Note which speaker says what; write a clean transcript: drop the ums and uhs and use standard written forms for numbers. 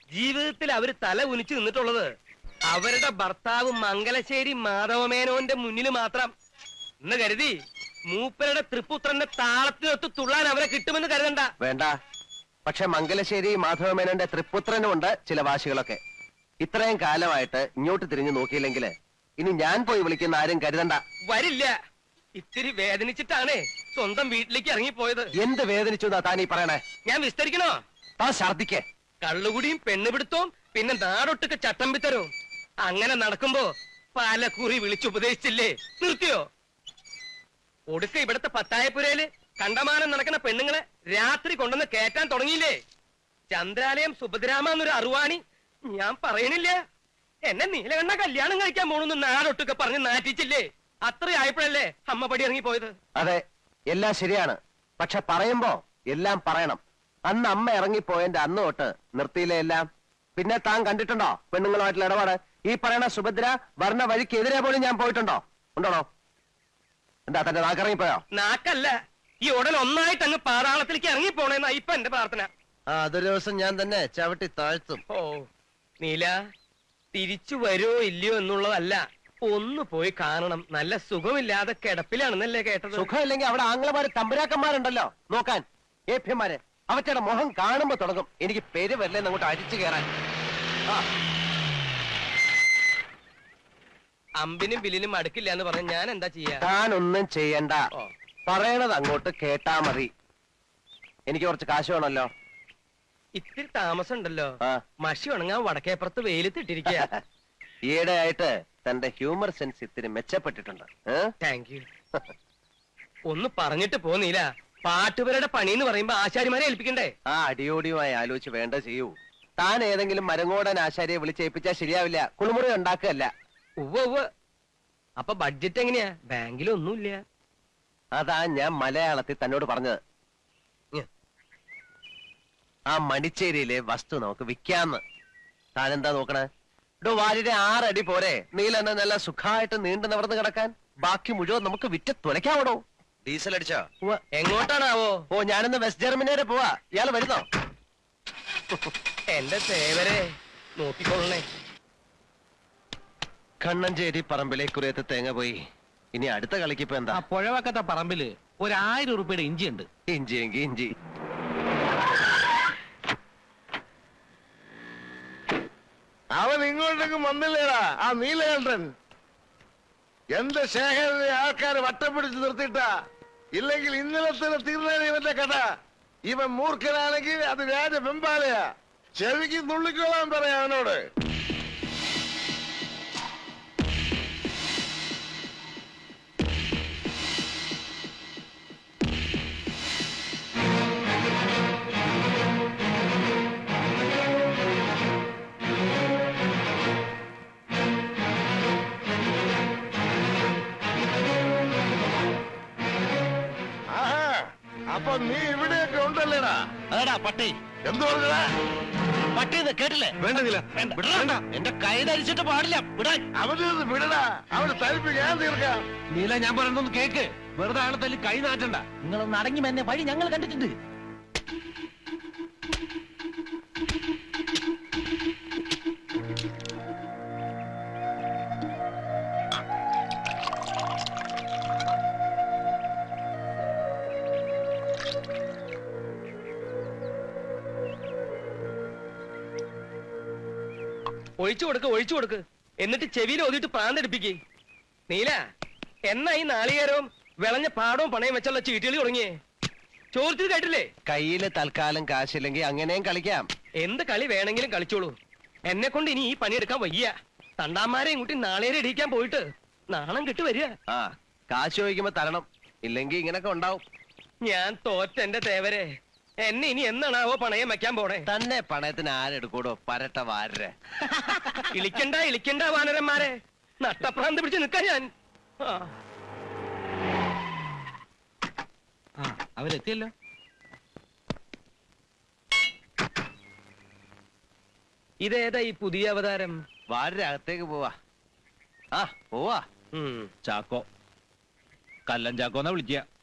Speaker 1: ജീവിതത്തിൽ അവര് തല ഉനിച്ചു നിന്നിട്ടുള്ളത് അവരുടെ ഭർത്താവ് മംഗലശ്ശേരി മാധവമേനോന്റെ മുന്നിൽ മാത്രം എന്ന് കരുതി മൂപ്പരുടെ തൃപ്പുത്രന്റെ താളത്തിനൊത്ത് തുള്ളാൻ അവരെ കിട്ടുമെന്ന് കരുതണ്ട.
Speaker 2: വേണ്ട. പക്ഷെ മംഗലശ്ശേരി മാധവമേനോന്റെ തൃപ്പുത്രനുമുണ്ട് ചില വാശികളൊക്കെ. ഇത്രയും കാലമായിട്ട് ഇങ്ങോട്ട് തിരിഞ്ഞു നോക്കിയില്ലെങ്കിൽ ഇനി ഞാൻ പോയി വിളിക്കുന്ന ആരും കരുതണ്ട.
Speaker 1: വരില്ല. ഇത്തിരി വേദനിച്ചിട്ടാണ് സ്വന്തം വീട്ടിലേക്ക് ഇറങ്ങിപ്പോയത്.
Speaker 2: എന്ത് വേദനിച്ചു എന്നാ താനീ പറയണേ?
Speaker 1: ഞാൻ വിസ്തരിക്കണോ?
Speaker 2: താൻ ഛർദിക്കേ.
Speaker 1: കള്ളുകുടിയും പെണ്ണുപിടുത്തവും പിന്നെ നാടൊട്ടുക്ക് ചട്ടമ്പിത്തരവും അങ്ങനെ നടക്കുമ്പോ പല കുറി വിളിച്ചുപദേശിച്ചില്ലേ? നിർത്തിയോ? ഒടുക്ക ഇവിടത്തെ പത്തായപ്പുരയില് കണ്ടമാനം നടക്കുന്ന പെണ്ണുങ്ങളെ രാത്രി കൊണ്ടുവന്ന് കേറ്റാൻ തുടങ്ങിയില്ലേ? ചന്ദ്രാലയം സുഭദ്രാമ എന്നൊരു അറുവാണി ഞാൻ പറയണില്ല. എന്നെ നീലകണ്ണ കല്യാണം കഴിക്കാൻ പോണെന്ന് നാടൊട്ടുക്കെ പറഞ്ഞ് നാറ്റിച്ചില്ലേ? അത്രയായപ്പോഴല്ലേ അമ്മ പടി ഇറങ്ങിപ്പോയത്.
Speaker 2: അതെ, എല്ലാം ശരിയാണ്. പക്ഷെ പറയുമ്പോ എല്ലാം പറയണം. അന്ന് അമ്മ ഇറങ്ങിപ്പോയതിന്റെ അന്ന് തൊട്ട് നിർത്തിയില്ലേ എല്ലാം. പിന്നെ താൻ കണ്ടിട്ടുണ്ടോ പെണ്ണുങ്ങളുമായിട്ടുള്ള ഇടപാട്? ഈ പറയണ സുഭദ്ര വർണ്ണ വഴിക്കെതിരെ പോലും ഞാൻ പോയിട്ടുണ്ടോ? ഉണ്ടോണോ? എന്താ തന്റെ നാക്കിറങ്ങിപ്പോയോ?
Speaker 1: നാക്കല്ല, ഈ ഉടൻ ഒന്നായിട്ട് അങ്ങ് പാതാളത്തിലേക്ക് ഇറങ്ങിപ്പോണേന്നാ ഇപ്പൊ എന്റെ പ്രാർത്ഥന.
Speaker 2: അതൊരു ദിവസം ഞാൻ തന്നെ ചവിട്ടി താഴ്ത്തും.
Speaker 1: ഓ നീല, തിരിച്ചു വരുമോ ഇല്ലയോ എന്നുള്ളതല്ല, ഒന്ന് പോയി കാണണം. നല്ല സുഖമില്ലാതെ കിടപ്പിലാണെന്നല്ലേ കേട്ടത്?
Speaker 2: സുഖമില്ലെങ്കിൽ അവിടെ ആംഗ്ലമാര് തമ്പുരാക്കന്മാരുണ്ടല്ലോ നോക്കാൻ, ഏഭ്യന്മാര്. അവറ്റയുടെ മുഖം കാണുമ്പോ തുടങ്ങും എനിക്ക് പേര് വരില്ലെന്ന് അങ്ങോട്ട് അരിച്ചു കയറാൻ.
Speaker 1: അമ്പിനും ബില്ലിനും അടുക്കില്ല എന്ന് പറഞ്ഞ ഞാൻ എന്താ ചെയ്യാ?
Speaker 2: താനൊന്നും ചെയ്യണ്ട. പറയണത് അങ്ങോട്ട് കേട്ടാ മതി. എനിക്ക് കുറച്ച് കാശ് വേണമല്ലോ.
Speaker 1: ഇത്തിരി താമസം ഉണ്ടല്ലോ. മഷി ഉണങ്ങാൻ വടക്കേപ്പുറത്ത് വെയിലത്തിട്ടിരിക്കുക.
Speaker 2: ഈയിടെ ആയിട്ട് തന്റെ ഹ്യൂമർ സെൻസ് ഇത്തിരി മെച്ചപ്പെട്ടിട്ടുണ്ട്.
Speaker 1: Thank you. ഒന്ന് പറഞ്ഞിട്ട് പോന്നീല. പാട്ടുപേരുടെ പണി എന്ന് പറയുമ്പോ ആശാരിമാരെ ഏൽപ്പിക്കണ്ടേ?
Speaker 2: അടിയോടിയുമായി ആലോചിച്ച് വേണ്ട ചെയ്യൂ. താൻ ഏതെങ്കിലും മരങ്ങോടൻ ആശാരിയെ വിളിച്ചേൽപ്പിച്ചാൽ ശരിയാവില്ല. കുളിമുറി ഉണ്ടാക്കുകയല്ല.
Speaker 1: ഉവ്വ്. അപ്പൊ ബഡ്ജറ്റ് എങ്ങനെയാ? ബാങ്കിലൊന്നുമില്ല.
Speaker 2: അതാ ഞാൻ മലയാളത്തിൽ തന്നോട് പറഞ്ഞത്. ആ മണിച്ചേരിയിലെ വസ്തു നമുക്ക് വിൽക്കാന്ന്. താനെന്താ നോക്കണേ? വാലിന്റെ 6 അടി പോരെ നീലെന്നെ നല്ല സുഖമായിട്ട് നീണ്ടു നിവർന്ന് കിടക്കാൻ? ബാക്കി മുഴുവൻ നമുക്ക് വിറ്റ് തുലയ്ക്കാവണോ? ഡീസൽ അടിച്ചോ?
Speaker 1: എങ്ങോട്ടാണാവോ?
Speaker 2: ഞാനിന്ന് വെസ്റ്റ് ജർമ്മനി വരെ പോവാ. ഇയാള് വരുന്നോ?
Speaker 1: എന്റെ സേവരെ നോക്കിക്കൊള്ളണേ.
Speaker 2: കണ്ണഞ്ചേരി പറമ്പിലെ കുറേത്ത് തേങ്ങ പോയി. ഇനി അടുത്ത കളിക്ക് ഇപ്പൊ എന്താ?
Speaker 3: പുഴവക്കത്തെ പറമ്പില് 1000 രൂപയുടെ ഇഞ്ചി ഉണ്ട്.
Speaker 2: ഇഞ്ചിയെങ്കി ഇഞ്ചി.
Speaker 4: അവൻ ഇങ്ങോട്ടേക്കും വന്നില്ലേടാ ആ നീലകണ്ഠൻ? എന്റെ ശേഖരനെ ആൾക്കാര് വട്ടം പിടിച്ച് നിർത്തിയിട്ടാ. ഇല്ലെങ്കിൽ ഇന്നലെ തന്നെ തീർന്നേനെ ഇവന്റെ കഥ. ഇവൻ മൂർഖനാണെങ്കിൽ അത് രാജ വെമ്പാലയാ. ചെവിക്ക് നുള്ളിക്കോളാൻ പറയാ അവനോട്. അപ്പൊ നീ ഇവിടെയൊക്കെ ഉണ്ടല്ലേടാ?
Speaker 2: അതാടാ പട്ടി.
Speaker 4: എന്തു പറഞ്ഞടാ?
Speaker 2: പട്ടി കേട്ടില്ലേ?
Speaker 4: വേണ്ടതില്ല.
Speaker 2: എന്റെ കൈ ധരിച്ചിട്ട് പാടില്ല.
Speaker 4: അവന് വിടടാ. അവന് തരിപ്പ് ഞാൻ തീർക്കാം.
Speaker 3: നീല, ഞാൻ പറയുന്നൊന്ന് കേക്ക്. വെറുതെ ആളെ തല്ലി കൈ നാട്ടണ്ട.
Speaker 2: നിങ്ങളൊന്ന് അടങ്ങി എന്നെ വഴി ഞങ്ങൾ കണ്ടിട്ടുണ്ട്.
Speaker 1: ഒഴിച്ചു കൊടുക്ക്. എന്നിട്ട് ചെവിയിൽ ഓതിയിട്ട് പ്രാന്തെടുപ്പിക്കേ. നീല, എന്നാ ഈ നാളികേരവും വിളഞ്ഞ പാടവും പണയം വെച്ചുള്ള ചീട്ടുകളി തുടങ്ങിയേ? ചോദിച്ചത് കേട്ടില്ലേ?
Speaker 2: കയ്യില് തൽക്കാലം കാശില്ലെങ്കിൽ അങ്ങനെയും കളിക്കാം.
Speaker 1: എന്ത് കളി വേണമെങ്കിലും കളിച്ചോളൂ. എന്നെ കൊണ്ട് ഇനി ഈ പണിയെടുക്കാൻ വയ്യ. തണ്ടാമാരെയും കൂട്ടി നാളേരെ ഇടിക്കാൻ പോയിട്ട് നാണം കിട്ടു വരിക.
Speaker 2: കാശ് ചോദിക്കുമ്പോ തരണം. ഇല്ലെങ്കിൽ ഇങ്ങനൊക്കെ ഉണ്ടാവും.
Speaker 1: ഞാൻ തോറ്റെന്റെ തേവരെ. എന്നെ ഇനി എന്നാണാവോ പണയം വെക്കാൻ പോണേ?
Speaker 2: തന്നെ പണയത്തിന് ആരെടുക്കൂടോ? പരട്ട വാരരെ.
Speaker 1: ഇളിക്കണ്ട വാനരന്മാരെ. നട്ടപ്രാന്ത് പിടിച്ച് നിൽക്കാൻ ഞാൻ.
Speaker 3: അവരെത്തിയല്ലോ.
Speaker 1: ഇതേതാ ഈ പുതിയ അവതാരം?
Speaker 2: വാരരെ അകത്തേക്ക് പോവാ. പോവാ.
Speaker 3: ചാക്കോ, കല്ലൻ ചാക്കോന്നാ വിളിക്കുക.